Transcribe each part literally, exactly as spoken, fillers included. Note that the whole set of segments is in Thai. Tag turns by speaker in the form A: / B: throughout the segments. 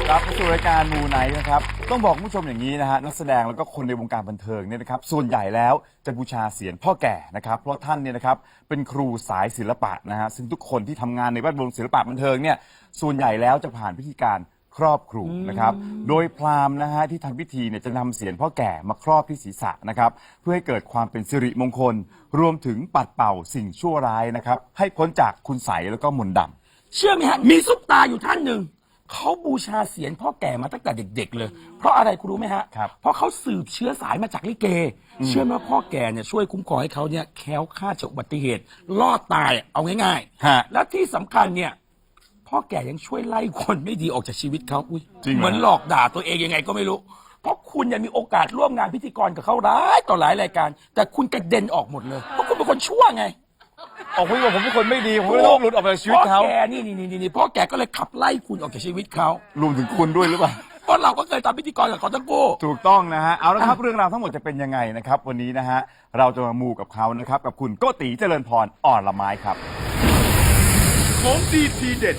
A: กลับมาสู่รายการมูไนท์นะครับต้องบอกคุณผู้ชมอย่างนี้นะฮะนักแสดงแล้วก็คนในวงการบันเทิงเนี่ยนะครับส่วนใหญ่แล้วจะบูชาเศียรพ่อแก่นะครับเพราะท่านเนี่ยนะครับเป็นครูสายศิลปะนะฮะซึ่งทุกคนที่ทำงานในแวดวงศิลปะบันเทิงเนี่ยส่วนใหญ่แล้วจะผ่านพิธีการครอบครูนะครับโดยพราหมณ์นะฮะที่ทำพิธีเนี่ยจะนำเศียรพ่อแก่มาครอบที่ศีรษะนะครับเพื่อให้เกิดความเป็นสิริมงคลรวมถึงปัดเป่าสิ่งชั่วร้ายนะครับให้พ้นจากคุณไสยแล้วก็มนต์ดำ
B: เชื่อไหมฮะมีซุปตาอยู่ท่านหนึ่งเขาบูชาเศียรพ่อแก่มาตั้งแต่เด็กๆเลยเพราะอะไรคุณรู้ไหมฮะเพราะเขาสืบเชื้อสายมาจากลิเกเชื่อไหมว่าพ่อแก่เนี่ยช่วยคุ้มครองให้เขาเนี่ยแคล้วคลาดจากอุบัติเหตุรอดตายเอาง่ายๆและที่สำคัญเนี่ยพ่อแก่ยังช่วยไล่คนไม่ดีออกจากชีวิตเขาอุ้ยเหมือนหลอกด่าตัวเองยังไงก็ไม่รู้เพราะคุณยังมีโอกาสร่วมงานพิธีกรกับเขาหลายต่อหลายรายการแต่คุณกระเด็นออกหมดเลยเพราะคุณเป็นคนชั่วไง
A: ออกพี่บอกผมเป็นคนไม่ดีผมไม่ต้องหลุดออกจากชีวิตเขา
B: พ่อแกนี่นี่นี่นี่พ่อแกก็เลยขับไล่คุณออกจากชีวิตเขา
A: รวมถึงคุณด้วยหรือเปล่า
B: เพราะเราก็เคยทำพิธีกรกับเขาทั้งคู่
A: ถูกต้องนะฮะเอาละครับเรื่องราวทั้งหมดจะเป็นยังไงนะครับวันนี้นะฮะเราจะมามูกับเขานะครับกับคุณโกติเจริญพรอ่อนละไม้ครับ
C: ของดีทีเด็ด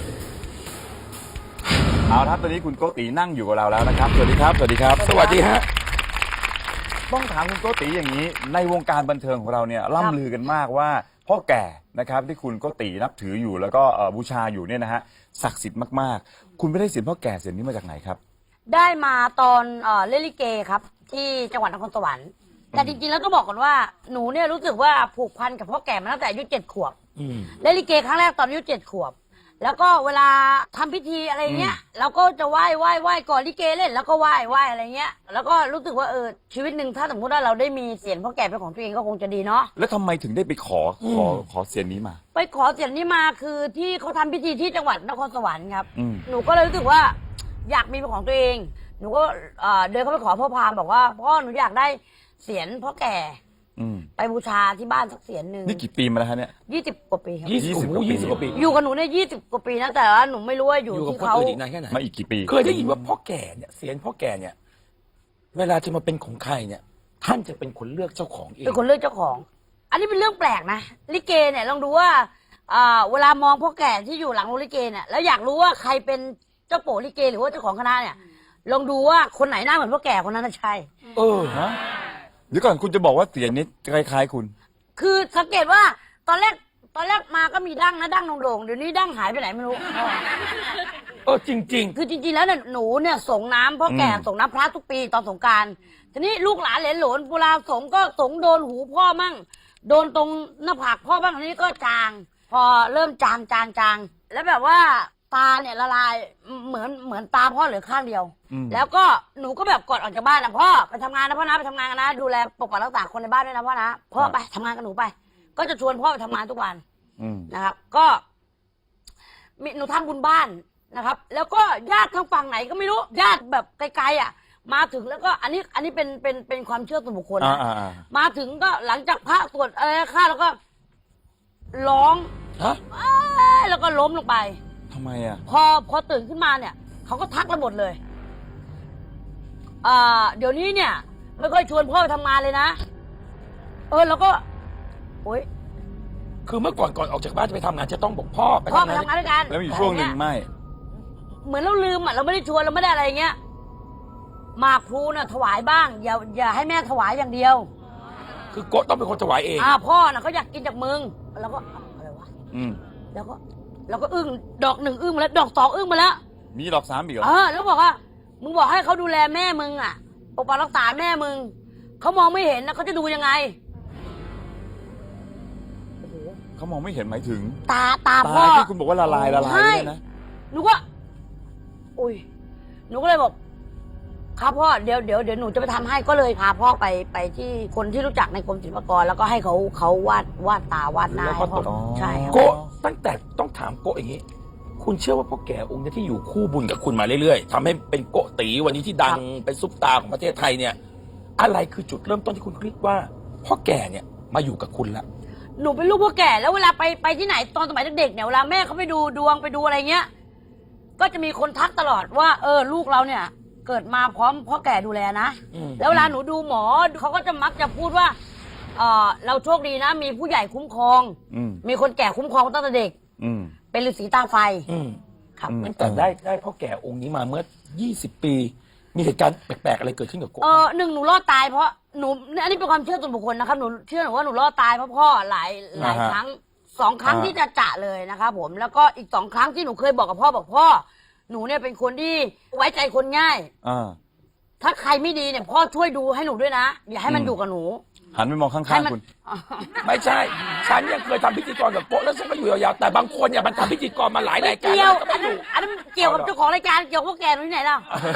A: เอาละครับตอนนี้คุณโกตินั่งอยู่กับเราแล้วนะครับสวัสดีครับสวัสดีครับ
B: สวัสดีฮะ
A: ต้องถามคุณโกติอย่างนี้ในวงการบันเทิงของเราเนี่ยล่ำลือกันมากว่าพ่อแก่นะครับที่คุณโกตินับถืออยู่แล้วก็บูชาอยู่เนี่ยนะฮะศักดิ์สิทธิ์มากๆคุณไม่ได้เศียรพ่อแก่เศียรนี้มาจากไหนครับ
D: ได้มาตอนเล่นลิเกครับที่จังหวัดนครสวรรค์แต่จริงๆแล้วต้องบอกก่อนว่าหนูเนี่ยรู้สึกว่าผูกพันกับพ่อแก่มาตั้งแต่อายุเจ็ดขวบเล่นลิเกครั้งแรกตอนอายุเจ็ดขวบแล้วก็เวลาทำพิธีอะไรเงี้ยเราก็จะไหว้ไหว้ไหว้ก่อนลิเกเล่นแล้วก็ไหว้ไหว้อะไรเงี้ยแล้วก็รู้สึกว่าเออชีวิตหนึ่งถ้าสมมติว่าเราได้มีเศียรพ่อแก่เป็นของตัวเองก็คงจะดีเนาะ
A: แล้วทำไมถึงได้ไปขอขอขอเศียรนี้มา
D: ไปขอเศียรนี้มาคือที่เขาทำพิธีที่จังหวัดนครสวรรค์ครับหนูก็เลยรู้สึกว่าอยากมีเป็นของตัวเองหนูก็เดินเข้าไปขอพ่อพราหมณ์บอกว่าพ่อหนูอยากได้เศียรพ่อแก่ไปบูชาที่บ้านสักเศียรหนึ่ง
A: นี่กี่ปีมาแล้วฮะเนี่ย
D: ยี่สิบกว่าปีครับ
B: ยี่สิบกว่าปียี่สิบกว่าปี
D: อยู่กับหนูเนี่ยยี่สิบกว่าปีนะแต่ว่าหนูไม่รู้ว่าอยู่ที่เขา
A: มาอีกกี่ปี
B: เคยได้ยินว่าพ่อแก่เนี่ยเศียรพ่อแก่เนี่ยเวลาจะมาเป็นของใครเนี่ยท่านจะเป็นคนเลือกเจ้าของเอง
D: เป็นคนเลือกเจ้าของอันนี้เป็นเรื่องแปลกนะลิเกเนี่ยลองดูว่าเวลามองพ่อแก่ที่อยู่หลังโรงลิเกเนี่ยแล้วอยากรู้ว่าใครเป็นเจ้าโปลิเกหรือว่าเจ้าของคณะเนี่ยลองดูว่าคนไหนหน้าเหมือนพ่อแก่คนนั้นใช่
A: เออฮะเดี๋ยวก่อนคุณจะบอกว่าเสียงนี้คล้ายๆคุณ
D: คือสังเกตว่าตอนแรกตอนแรกมาก็มีดั้งนะดั้งโด่งๆเดี๋ยวนี้ดั้งหายไปไหนไม่รู้
B: เออจริงๆ
D: คือจริงๆแล้วเนี่ยหนูเนี่ยส่งน้ำพ่อแก่ส่งน้ำพระทุกปีตอนสงกรานต์ทีนี้ลูกหลานเหลนหลนเวลาสงก็สงโดนหูพ่อมั่งโดนตรงหน้าผากพ่อบ้างทีนี้ก็จางพอเริ่มจางจางจางแล้วแบบว่าตาเนี่ยละลายเหมือนเหมือนตาพ่อเหลือข้างเดียวแล้วก็หนูก็แบบกดออกจากบ้านนะพ่อไปทำงานนะพ่อนะไปทำงานกันนะดูแลปกปักรักษาคนในบ้านด้วยนะพ่อนะพ่อไปทำงานกับหนูไปก็จะชวนพ่อไปทำงานทุกวันนะครับก็หนูทำบุญบ้านนะครับแล้วก็ญาติทางฝั่งไหนก็ไม่รู้ญาติแบบไกลๆอ่ะมาถึงแล้วก็อันนี้อันนี้เป็นเป็นเป็นความเชื่อส่วนบุคคลนะมาถึงก็หลังจากพระสวดอะไรข้าแล้วก็ร้องแล้วก็ล้มลงไป
A: ทำไมอ่ะ
D: พอพอตื่นขึ้นมาเนี่ยเขาก็ทักเราหมดเลยอ่าเดี๋ยวนี้เนี่ยไม่ค่อยชวนพ่อไปทำงานเลยนะเออแล้วก็โอ๊ย
B: คือเมื่อก่อนก่อนออกจากบ้านจะไปทำงานจะต้องบอกพ่อ
D: ไปทำงานด้วยกัน
A: แล้วมีช่วงหนึ่งไม่
D: เหมือนเราลืมอ่ะเราไม่ได้ชวนเราไม่ได้อะไรเงี้ยหมากพลูน่ะถวายบ้างอย่าอย่าให้แม่ถวายอย่างเดียว
B: คือโกต้องเป็นคนถวายเอง
D: อ่าพ่อน่ะเขาอยากกินจากมึงแล้วก็อะไรวะอืมแล้วก็แล้วก็อึ้งดอกหนึ่งอึ้งมาแล้วดอกสองอึ้งมาแล้ว
A: มีดอกสามอีกเหรอ
D: เออแล้วบอกว่ามึงบอกให้เขาดูแลแม่มึงอ่ะปกปักรักษาแม่มึงเขามองไม่เห็นนะเขาจะดูยังไง
A: เขามองไม่เห็นหมายถึง
D: ตาตาพ่อ
A: ที่คุณบอกว่าละลายละลายเนี่ยนะ
D: หนูก็อุ้ยหนูก็เลยบอกครับพ่อเดี๋ยวเดี๋ยวเดี๋ยวหนูจะไปทำให้ก็เลยพาพ่อไปไปที่คนที่รู้จักในกรมศิลปากรแล้วก็ให้เขาเขาวาดวาดตาวาดหน้าให้พ่อใช่
B: โกตั้งแต่ต้องถามโกอย่างนี้คุณเชื่อว่าพ่อแก่องค์นี้ที่อยู่คู่บุญกับคุณมาเรื่อยๆทำให้เป็นโกตีวันนี้ที่ดังเป็นซุปตาของประเทศไทยเนี่ยอะไรคือจุดเริ่มต้นที่คุณคิดว่าพ่อแก่เนี่ยมาอยู่กับคุณละ
D: หนูเป็นลูกพ่อแก่แล้วเวลาไปไปที่ไหนตอนสมัยเด็กๆเนี่ยเวลาแม่เขาไปดูดวงไปดูอะไรเงี้ยก็จะมีคนทักตลอดว่าเออลูกเราเนี่ยเกิดมาพร้อมพ่อแก่ดูแลนะแล้วเวลาหนูดูหมอเขาก็จะมักจะพูดว่าเออเราโชคดีนะมีผู้ใหญ่คุ้มครองมีคนแก่คุ้มครองตั้งแต่เด็กเป็นฤาษีตาไฟครับ
B: ตั้งแต่ได้ได้พ่อแก่องค์นี้มาเมื่อยี่สิบปี มีเหตุการณ์แปลกๆอะไรเกิดขึ้นกับโกะ
D: เออหนึ่งหนูรอดตายเพราะหนูอันนี้เป็นความเชื่อส่วนบุคคลนะครับหนูเชื่อหนูว่าหนูรอดตายเพราะพ่อหลายหลาย
A: อ่าฮะ
D: ครั้งสองครั้ง
A: อ่า
D: ที่จะจะเลยนะครับผมแล้วก็อีกสองครั้งที่หนูเคยบอกกับพ่อบอกพ่อหนูเนี่ยเป็นคนที่ไว้ใจคนง่าย
A: อ่า
D: ถ้าใครไม่ดีเนี่ยพ่อช่วยดูให้หนูด้วยนะ อย่าให้มัน
A: อืม
D: อยู่กับหนู
A: หันไปมองข้า
D: ให้
A: ง
D: มัน
A: ๆคุณ
B: ไม่ใช่ ฉันยังเคยทำพิธีกรกับโกะแล้วฉันก็อยู่ยาวๆแต่บางคนเนี่ยมันทำพิธีกรมาหลายรายการ
D: เกี่ยว
B: แล้วมันก็
D: อั
B: ไม่
D: น
B: อ
D: นั้น
B: ยู่
D: อันนั้นเกี่ยวกับ
B: เอาเหรอ
D: เจ้าของรายการเกี่ยวกับพวกแกหนูที่ไหนล่ะ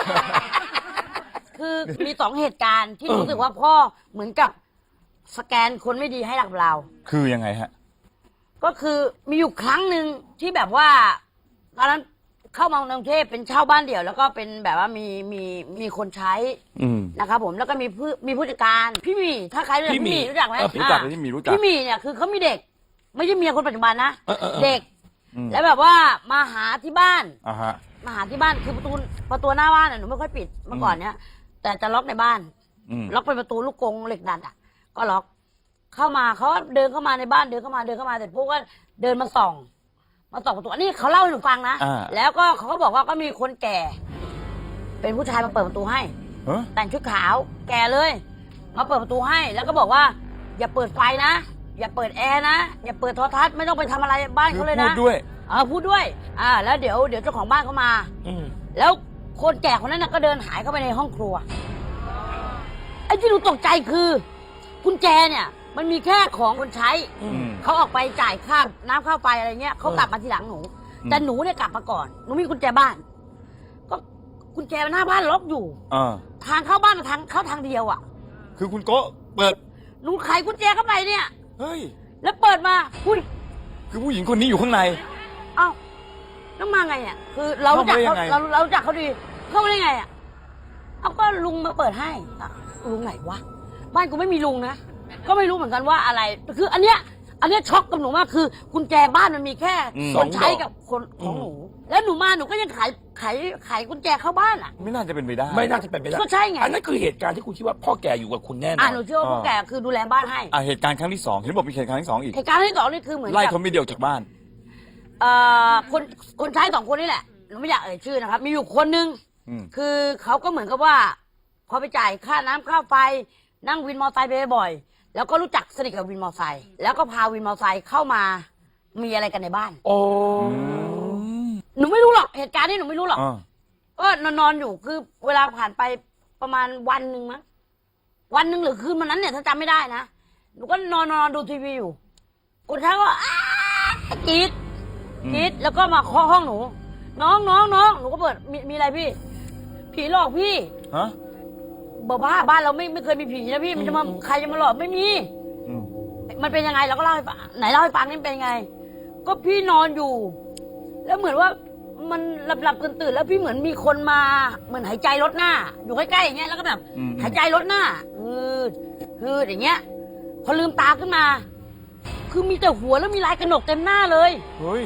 D: คือมีสองเหตุการณ์ที่รู้สึกว่าพ่อเหมือนกับสแกนคนไม่ดีให้กับเรา
A: คือยังไงฮะ
D: ก็คือมีอยู่ครั้งหนึ่งที่แบบว่าตอนนั้นเข้ามากรุงเทพเป็นเช่าบ้านเดี่ยว แล้วก็เป็นแบบว่ามีมีมีคนใช้
A: อืม
D: นะครับผมแล้วก็มีผู้มีผู้จัดการพี่หมีถ้าใครรู้จัก
B: พี่หมี่
D: พี่หมีรู้จักไหม
B: เออ
A: รู้จัก
D: อ่า
A: พี่หมี่รู้จัก
D: พี่หมีเนี่ยคือเขามีเด็ก ไม่ใช่เมียคนปัจจุบันนะ
B: เออเออเออ
D: เด็ก
A: อืม
D: แล้วแบบว่ามาหาที่บ้าน
A: อ่าฮะ
D: มาหาที่บ้านคือประตูประตูหน้าบ้านน่ะหนูไม่ค่อยปิดเมื่อก่อนเนี้ยแต่จะล็อกในบ้าน
A: อืม
D: ล็อกเป็นประตูลูกกรงเหล็กดัดอ่ะ ก็ล็อก เข้ามาเขาก็เดินเข้ามาในบ้านเดินเข้ามาเดินเข้ามาเสร็จพวกก็เดินมาส่อง มาส่องประตูอันนี้เขาเล่าให้หนูฟังนะ
A: อ่า
D: แล้วก็เขาก็บอกว่าก็มีคนแก่ เป็นผู้ชายมาเปิดประตูให้
A: เฮ้ย
D: แต่งชุดขาวแก่เลย มาเปิดประตูให้ แล้วก็บอกว่า อย่าเปิดไฟนะ อย่าเปิดแอร์นะอย่าเปิดโทรทัศน์ไม่ต้องไปทำอะไรบ้าน
A: คือ
D: เขาเลย
A: พู
D: นะ
A: ดด้วย
D: เออพูดด้วย อ่า แล้วเดี๋ยวเดี๋ยวเจ้าของบ้านเขามา
B: อืม
D: แล้วคนแก่คนนั้นนะก็เดินหายเข้าไปในห้องครัว ไอ้ที่หนูตกใจคือกุญแจเนี่ย มันมีแค่ของคนใช้
B: อื
A: อื
B: ม
A: ม
D: เขาออกไปจ่ายค่าน้ำค่าไฟอะไรเงี้ยเขา
B: เออ
D: กลับมาทีหลังหนู
A: อืม
D: แต่หนูเนี่ยกลับมาก่อนหนูมีกุญแจบ้าน ก็กุญแจหน้าบ้านล็อกอยู่
A: อ่า
D: ทางเข้าบ้านทางเข้าทางเดียวอ่ะ
A: คือคุณโกะเปิด
D: หนูไขกุญแจเข้าไปเนี่ย
A: เฮ้ย
D: แล้วเปิดมาอุ้ย
A: คือผู้หญิงคนนี้อยู่ข้างใน
D: เอ้าแล้วมาไงอ่ะคือเรารู้จัก
A: เข้า
D: เขา
A: มาได้ยังไง
D: เราเรารู้จักเขาดีเข้ามาได้ไงอ่ะเอาก็ลุงมาเปิดให้อ่ะลุงไหนวะบ้านกูไม่มีลุงนะก็ไม่รู้เหมือนกันว่าอะไร คือ อันเนี้ย อันเนี้ยช็อกกับหนูมากคือกุญแจบ้านมันมีแค่
A: อืม
D: คนใช้กับคนของหนู แล้วหนูมาหนูก็ยังไขไขไขกุญแจเข้าบ้านอ่ะ
A: ไม่น่าจะเป็นไปได้
B: ไม่น่าจะเป็นไปได้
D: ก็ใช่ไง
B: อันนั้นคือเหตุการณ์ที่คุณคิดว่าพ่อแก่อยู่กับคุณแน่น
D: อ่า
B: อน
D: หนูเชื่อว่าพวกแกคือดูแลบ้านให้
A: อ่าเหตุการณ์ครั้งที่สองเห็นบอกมีเหตุการณ์ที่สองอีก
D: เหตุการณ์ที่สองนี่คือเหมือน
A: ไล่
D: กับ
A: เขาไม่เดียวจากบ้าน
D: เอ่อคนคนใช้สองคนนี่แหละหนูไม่อยากเอ่ยชื่อนะครับ มีอยู่คนนึง
A: อืม
D: คือเขาก็เหมือนกับว่า พอไปจ่ายค่าน้ำค่าไฟ นั่งวินมอเตอร์ไซค์ไปบ่อยๆแล้วก็รู้จักสนิทกับวินมอเตอร์ไซค์แล้วก็พาวินมอเตอร์ไซค์เข้ามามีอะไรกันในบ้าน
B: โอ้
D: หนูไม่รู้หรอกเหตุการณ์นี้หนูไม่รู้หรอก
A: อ่า
D: ก็นอนนอนๆอยู่คือเวลาผ่านไปประมาณวันหนึ่งมั้งวันหนึ่งหรือคืนวันนั้นเนี่ยถ้าจำไม่ได้นะหนูก็นอนนอนดูทีวีอยู่คนท้ายก็อ้ากรีดกรีดแล้วก็มาเคาะห้องหนู น้องน้องน้องหนูก็เปิดมีมีอะไรพี่ ผีหลอกพี่
A: ฮะ
D: บอกว่าบ้านเราไม่ไม่เคยมีผีนะพี่มันจะมาใครจะมาหลอกไม่มี
A: อืม
D: มันเป็นยังไงเราก็เล่าให้ฟังไหนเล่าให้ฟังนี่มันเป็นยังไง ก็พี่นอนอยู่ แล้วเหมือนว่ามันหลับหลับตื่นตื่นๆแล้วพี่เหมือนมีคนมาเหมือนหายใจลดหน้า อยู่ใกล้ๆอย่างเงี้ยแล้วก็แบบ
A: อืม
D: หายใจลดหน้าฮืดฮืดอย่างเงี้ย พอลืมตาขึ้นมา คือมีแต่หัวแล้วมีลายกระหนกเต็มหน้าเลย
A: เฮ้ย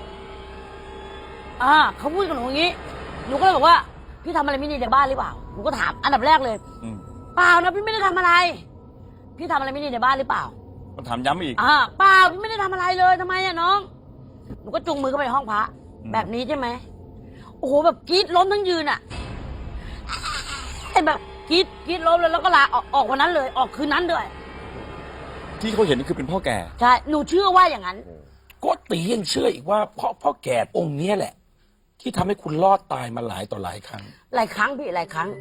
D: อ่าเขาพูดกับหนูอย่างนี้ หนูก็เลยบอกว่า พี่ทำอะไรไม่ดีในบ้านหรือเปล่า หนูก็ถามอันดับแรกเลย
A: อืม
D: เปล่านะพี่ไม่ได้ทำอะไร พี่ทำอะไรไม่ดีในบ้านหรือเปล่า
A: ก็ถามย้ำอีก
D: อ่าเปล่าพี่ไม่ได้ทำอะไรเลยทำไมอะน้อง หนูก็จุงมือเข้าไปในห้องพระ
A: อืม
D: แบบนี้ใช่ไหมโอ้โหแบบกรีดล้มทั้งยืนอะไอ้แบบกรีดกรีดล้มเลยแล้วก็ลาออกออกวันนั้นเลย ออกคืนนั้นด้วย
A: ที่เขาเห็นนี่คือเป็นพ่อแก่
D: ใช่หนูเชื่อว่าอย่างนั้น
B: โกตียังเชื่ออีกว่าพ่อพ่อแก่องค์เนี้ยแหละ ที่ทำให้คุณรอดตายมาหลายต่อหลายครั้ง
D: หลายครั้งพี่หลายครั้ง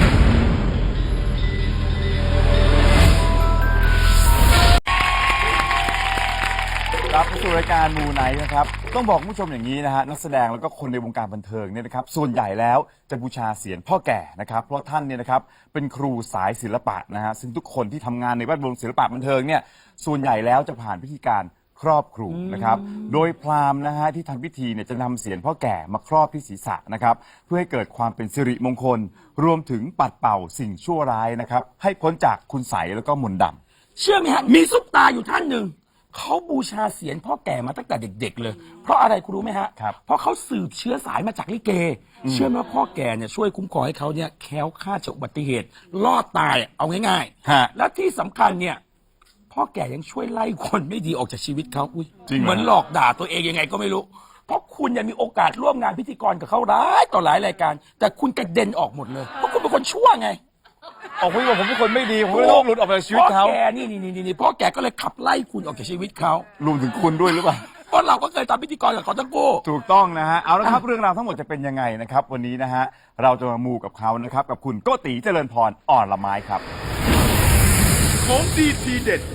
A: รับเข้าสู่รายการมูไนท์นะครับต้องบอกคุณผู้ชมอย่างนี้นะฮะนักแสดงแล้วก็คนในวงการบันเทิงเนี่ยนะครับส่วนใหญ่แล้วจะบูชาเสียรพ่อแก่นะครับเพราะท่านเนี่ยนะครับเป็นครูสายศิลปะนะฮะซึ่งทุกคนที่ทำงานในแวดวงศิลปะบันเทิงเนี่ยส่วนใหญ่แล้วจะผ่านพิธีการครอบครูนะครับโดยพราหมณ์นะฮะที่ทำพิธีเนี่ยจะนำเสียรพ่อแก่มาครอบที่ศีรษะนะครับเพื่อให้เกิดความเป็นสิริมงคล รวมถึงปัดเป่าสิ่งชั่วร้ายนะครับให้พ้นจากคุณไสยแล้วก็มนต์ดำ
B: เชื่อไหมฮะ มีซุปตาอยู่ท่านหนึ่ง เขาบูชาเสียรพ่อแก่มาตั้งแต่เด็ก ๆ เลย เพราะอะไรคุณรู้ไหมฮะ
A: ครับ
B: เพราะเขาสืบเชื้อสายมาจากลิเก เชื่อไหมว่าพ่อแก่เนี่ยช่วยคุ้มครองให้เขาเนี่ยแคล้วคลาดจากอุบัติเหตุ รอดตายเอาง่าย
A: ฮะ
B: ๆ และที่สำคัญเนี่ย พ่อแก่ยังช่วยไล่คนไม่ดีออกจากชีวิตเขาอุ้ย
A: จริงเหรอ
B: เหมือนหลอกด่าตัวเองยังไงก็ไม่รู้เพราะคุณเนี่ยมีโอกาสร่วมงานพิธีกรกับเขาหลายต่อหลายรายการ แต่คุณกระเด็นออกหมดเลยเพราะคุณเป็นคนชั่วไง
A: ออกคุยกับผมเป็นคนไม่ดีผมไม่ต้องหลุดออกไปจากชีวิตเขา
B: พ่อแกนี่นี่นี่นี่พ่อแกก็เลยขับไล่คุณออกจากชีวิตเขา
A: รวมถึงคุณด้วยหรือเปล่า
B: เพราะเราก็เคยทำพิธีกรกับเขาทั้งคู่
A: ถูกต้องนะฮะเอาละครับเรื่องราวทั้งหมดจะเป็นยังไงนะครับวันนี้นะฮะเราจะมามูกับเขานะครับกับคุณโกติเจริญพรอ่อนละไม้ครับ
C: ของดีทีเด็ด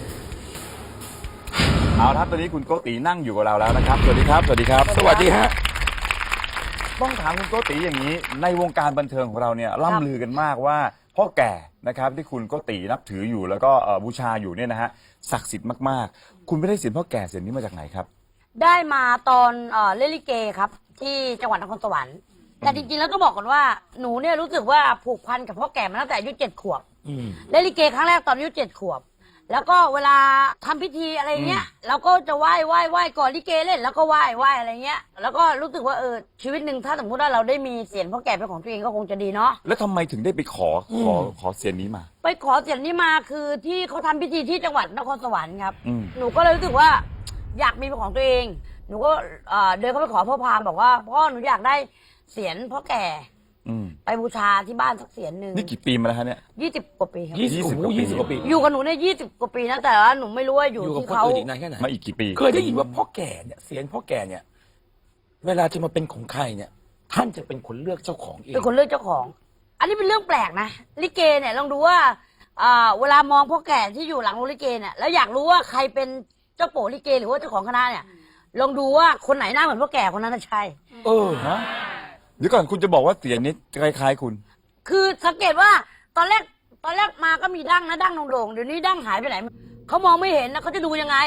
A: เอาละครับตอนนี้คุณโกตินั่งอยู่กับเราแล้วนะครับสวัสดีครับสวัสดีครับ
B: สวัสดีฮะ
A: ต้องถามคุณโกติอย่างนี้ ในวงการบันเทิงของเราเนี่ยล่ำลือกันมากว่าพ่อแก่นะครับที่คุณโกตินับถืออยู่แล้วก็เอ่อบูชาอยู่เนี่ยนะฮะศักดิ์สิทธิ์มากๆ คุณไม่ได้เสียงพ่อแก่เสียงนี้มาจากไหนครับ
D: ได้มาตอนเอ่อเล่นลิเกครับ ที่จังหวัดนครสวรรค์แต่จริงๆแล้วต้องบอกก่อนว่าหนูเนี่ยรู้สึกว่าผูกพันกับพ่อแก่มาตั้งแต่อายุเจ็ดขวบ
B: อืม
D: เล่นลิเกครั้งแรกตอนอายุเจ็ดขวบ แล้วก็เวลาทำพิธีอะไรเงี้ยเราก็จะไหว้ไหว้ไหว้ก่อนลิเกเล่นแล้วก็ไหว้ไหว้อะไรเงี้ยแล้วก็รู้สึกว่าเออชีวิตหนึ่งถ้าสมมติว่าเราได้มีเสียงพ่อแก่เป็นของตัวเองก็คงจะดีเนาะ
A: แล้วทำไมถึงได้ไปขอขอขอเสียงนี้มา
D: ไปขอเสียงนี้มาคือที่เขาทำพิธีที่จังหวัดนครสวรรค์ครับ
A: อืม
D: หนูก็เลยรู้สึกว่าอยากมีเป็นของตัวเอง หนูก็เอ่อเดินเข้าไปขอพ่อพราหมณ์บอกว่าพ่อหนูอยากได้เสียงพ่อแก่
A: อืม
D: ไปบูชาที่บ้านสักเสียงหนึ่ง
A: นี่กี่ปีมาแล้วฮะเนี่ย
D: ยี่สิบกว่าปีครับ
B: ยี่สิบ
A: ยี่สิบกว่าปี
B: ยี่สิบกว่าปี
D: อยู่กับหนูเนี่ยยี่สิบกว่าปีนะแต่ว่าหนูไม่รู้ว่าอยู่
B: อยู่กับ
D: ที่
B: คน
D: เขา
B: อื่นอีกนานแค่ไหน
A: มาอีกกี่ปี
B: เคยได้ยินว่าพ่อแก่เนี่ยเสียงพ่อแก่เนี่ย เวลาจะมาเป็นของใครเนี่ย ท่านจะเป็นคนเลือกเจ้าของเอง
D: เป็นคนเลือกเจ้าของ อันนี้เป็นเรื่องแปลกนะลิเกเนี่ยลองดูว่าอ่าเวลามองพ่อแก่ที่อยู่หลังโรงลิเกเนี่ยแล้วอยากรู้ว่าใครเป็นเจ้าโปลิเกหรือว่าเจ้าของคณะเนี่ยลองดูว่าคนไหนหน้าเหมือนพ่อแก่คนนั้นน่ะใช่
B: เออ
A: ฮะเดี๋ยวก่อนคุณจะบอกว่าเสียงนี้คล้ายๆคุณ
D: คือสังเกตว่าตอนแรกตอนแรกมาก็มีดั้งนะดั้งโด่งๆเดี๋ยวนี้ดั้งหายไปไหนเขามองไม่เห็นนะเขาจะดูยังไง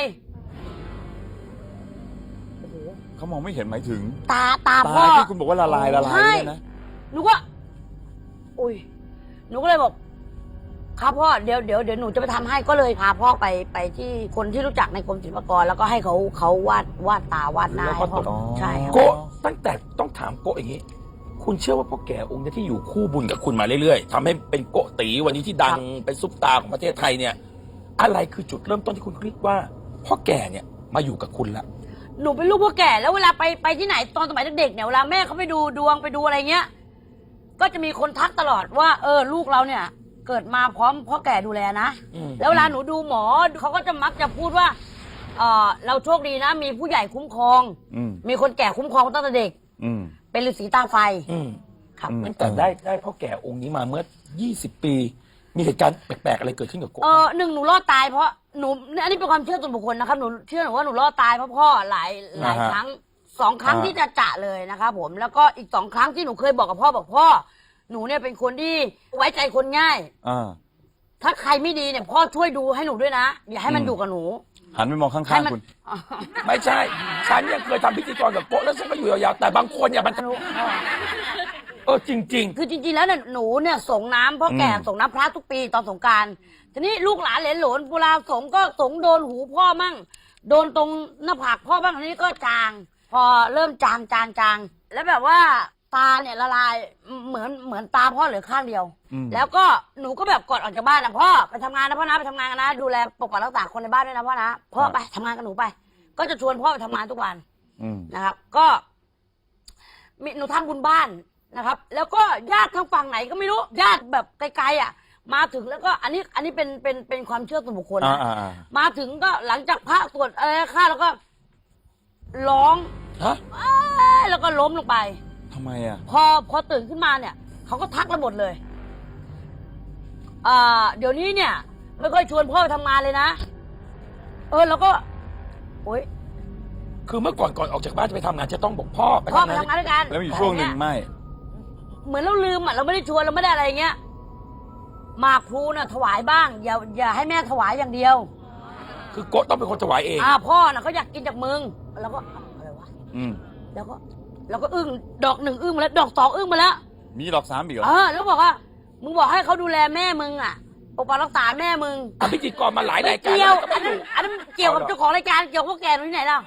A: เขามองไม่เห็นหมายถึง
D: ตาตา
A: ตา
D: พ่อ
A: ที่คุณบอกว่าละลายละลาย
D: ใช่
A: เนี่ยนะ
D: หนูก็อุ้ยหนูก็เลยบอกครับพ่อเดี๋ยวเดี๋ยวเดี๋ยวหนูจะไปทำให้ก็เลยพาพ่อไปไปที่คนที่รู้จักในกรมศิลปากร แล้วก็ให้เขาเขาวาดวาดตาวาดหน้า
B: แล้วก็
D: ให้พ่อ
B: ตก
D: ใช่ครับ
B: โกะตั้งแต่ต้องถามโกะอย่างนี้ คุณเชื่อว่าพ่อแก่องค์เนี้ที่อยู่คู่บุญกับคุณมาเรื่อยๆทำให้เป็นโกะตีวันนี้ที่ดังเป็นซุปตาร์ของประเทศไทยเนี่ย อะไรคือจุดเริ่มต้นที่คุณคิดว่าพ่อแก่เนี่ยมาอยู่กับคุณละ
D: หนูเป็นลูกพ่อแก่แล้วเวลาไปไปที่ไหนตอนสมัยเด็กๆเนี่ยเวลาแม่เขาไปดูดวงไปดูอะไรเงี้ย ก็จะมีคนทักตลอดว่า เออลูกเราเนี่ย เกิดมาพร้อมพ่อแก่ดูแลนะ
B: อืม
D: แล้วเวลาหนูดูหมอเขาก็จะมักจะพูดว่าเออเราโชคดีนะ มีผู้ใหญ่คุ้มครอง
A: อืม
D: มีคนแก่คุ้มครองตั้งแต่เด็ก
A: อืม
D: เป็นฤาษีตาไฟ
B: อืม
D: ครับ
A: อืม
B: ตั้งแต่ได้ได้พ่อแก่องค์นี้มาเมื่อยี่สิบปี มีเหตุการณ์แปลกๆอะไรเกิดขึ้นกับโกะ
D: เออหนึ่งหนูรอดตายเพราะหนูอันนี้เป็นความเชื่อส่วนบุคคลนะครับหนูเชื่อหนูว่าหนูรอดตายเพราะพ่อหลายหลาย
A: อ่าฮะ
D: ครั้งสองครั้ง
A: อ่า
D: ที่จะจะเลยนะครับผมแล้วก็อีกสองครั้งที่หนูเคยบอกกับพ่อบอกพ่อ หนูเนี่ยเป็นคนที่ไว้ใจคนง่าย
A: อ่า
D: ถ้าใครไม่ดีเนี่ยพ่อช่วยดูให้หนูด้วยนะ อย่าให้มัน
A: อืม
D: อยู่กับหนู
A: หันไปมองข้า
D: ให้
A: ง
D: มัน
A: ๆคุณ
B: ไม่ใช่ ฉันยังเคยทำพิธีกรกับโกะแล้วฉันก็อยู่ยาวๆแต่บางคนเนี่ยมันเออจริง
D: คือจริงๆแล้วเนี่ยหนูเนี่ยส่งน้ำพ่อแก่
A: อืม
D: ส่งน้ำพระทุกปีตอนสงกรารทีนี้ลูกหลานเหลนหลนเวลาสงก็สงโดนหูพ่อมั่ง โดนตรงหน้าผากพ่อบ้างทีนี้ก็จาง พอเริ่มจางจางจางแล้วแบบว่าตาเนี่ยละลายเหมือนเหมือนตาพ่อเหลือข้างเดียว
A: อืม
D: แล้วก็หนูก็แบบกดออกจากบ้านนะพ่อไปทำงานนะพ่อนะไปทำงานกันนะดูแลปกปักรักษาคนในบ้านด้วยนะพ่อนะพ่อไปทำงานกับหนูไป ก็จะชวนพ่อไปทำงานทุกวัน
A: อืม
D: นะครับ ก็มีหนูทำบุญบ้านนะครับ แล้วก็ญาติทางฝั่งไหนก็ไม่รู้ญาติแบบไกลๆอ่ะ มาถึงแล้วก็อันนี้อันนี้เป็นเป็นเป็นความเชื่อส่วนบุคคล
A: อ่า
D: นะ
A: อ่าอ่า
D: มาถึงก็หลังจากพระสวดอะไรค่าแล้วก็ร้อง
B: ๆ ฮะ
D: เอ้ยแล้วก็ล้มลงไป
A: ทำไมอ่ะ
D: พอพอตื่นขึ้นมาเนี่ยเขาก็ทักเราหมดเลยอ่าเดี๋ยวนี้เนี่ย ไม่ค่อยชวนพ่อไปทำงานเลยนะ เออแล้วก็โอ๊ย
B: คือเมื่อก่อนก่อนออกจากบ้านจะไปทำงานจะต้องบอกพ่อไป
D: พ่อ
B: ทำ
D: ไป
B: งาน
D: ทำงานด้วยกัน
A: แล้วมีช่วงหนึ่ง
D: อะไรเย
A: ไม่
D: เหมือนเราลืมอ่ะเราไม่ได้ชวนเราไม่ได้อะไรเงี้ยหมากพลูน่ะถวายบ้าง อย่าอย่าให้แม่ถวายอย่างเดียว
B: คือโกะต้องเป็นคนถวายเอง
D: อ่าพ่อน่ะเขาอยากกินจากมึงแล้วก็อะไรวะ
A: อืม
D: แล้วก็แล้วก็อึ้งดอกหนึ่งอึ้งมาแล้วดอกสองอึ้งมาแล้ว
A: มีดอกสามอีกเหรอ
D: เออแล้วบอกว่ามึงบอกให้เขาดูแลแม่มึงอ่ะปกปักรักษาแม่มึง
B: ทำพิธีกรมาหลาย
D: ไม่
B: รายการ
D: เกี่ยว
B: แล้วก็
D: อั
B: ไม่
D: น
B: อ
D: นั้น
B: ยู่
D: อันนั้นเกี่ยวกับ
B: เอาเหรอ
D: เจ้าของรายการเกี่ยวกับพวกแกหนูที่ไหนล่ะ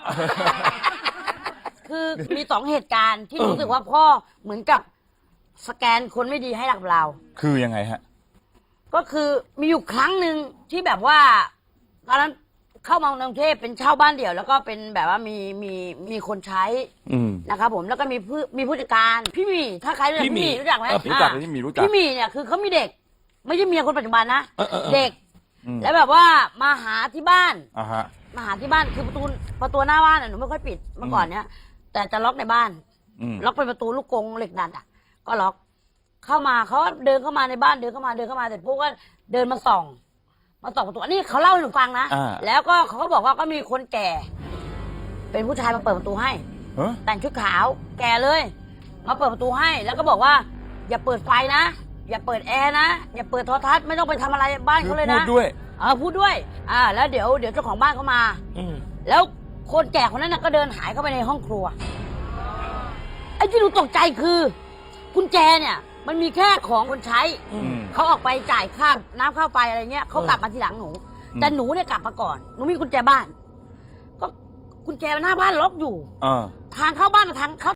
D: คือมีสองเหตุการณ์ที่รู้สึกว่าพ่อเหมือนกับสแกนคนไม่ดีให้กับเรา
A: คือยังไงฮะ
D: ก็คือมีอยู่ครั้งหนึ่งที่แบบว่าตอนนั้นเข้ามากรุงเทพเป็นเช่าบ้านเดี่ยว แล้วก็เป็นแบบว่ามีมีมีคนใช้
A: อืม
D: นะครับผมแล้วก็มีผู้มีผู้จัดการพี่หมีถ้าใครรู้จัก
B: พี่
D: พี่
B: ห
D: ห
B: มี
D: มีรู้จักไหม
B: เออ
A: รู้จัก
D: อ่า
A: พี่หมีรู้จัก
D: พี่หมีเนี่ยคือเขามีเด็ก ไม่ใช่เมียคนปัจจุบันนะ
B: เออเออเออ
D: เด็ก
A: อืม
D: แล้วแบบว่ามาหาที่บ้าน
A: อ่าฮะ
D: มาหาที่บ้านคือประตูประตูหน้าบ้านน่ะหนูไม่ค่อยปิดเมื่อก่อนเนี้ยแต่จะล็อกในบ้าน
A: อืม
D: ล็อกเป็นประตูลูกกรงเหล็กดัดอ่ะ ก็ล็อก เข้ามาเขาก็เดินเข้ามาในบ้านเดินเข้ามาเดินเข้ามาเสร็จปุ๊บก็เดินมาส่อง มาส่องประตูอันนี้เขาเล่าให้หนูฟังนะ
A: อ่า
D: แล้วก็เขาก็บอกว่าก็มีคนแก่ เป็นผู้ชายมาเปิดประตูให้
A: เฮ้ย
D: แต่งชุดขาวแก่เลย มาเปิดประตูให้ แล้วก็บอกว่า อย่าเปิดไฟนะ อย่าเปิดแอร์นะ อย่าเปิดโทรทัศน์ไม่ต้องไปทำอะไรบ้าน
A: คือ
D: เขาเลย
A: พู
D: นะ
A: ดด้วย
D: เออพูดด้วย อ่า แล้วเดี๋ยวเดี๋ยวเจ้าของบ้านเขามา
B: อืม
D: แล้วคนแก่คนนั้นนะก็เดินหายเข้าไปในห้องครัว ไอ้ที่หนูตกใจคือกุญแจเนี่ย มันมีแค่ของคนใช้
B: อืม
D: เขาออกไปจ่ายค่าน้ำค่าไฟอะไรเงี้ยเขา
B: เออ
D: กลับมาทีหลังหนู
A: อืม
D: แต่หนูเนี่ยกลับมาก่อน หนูมีกุญแจบ้าน ก็กุญแจหน้าบ้านล็อกอยู่
A: เออ
D: ทางเข้าบ้านกับทางเข้า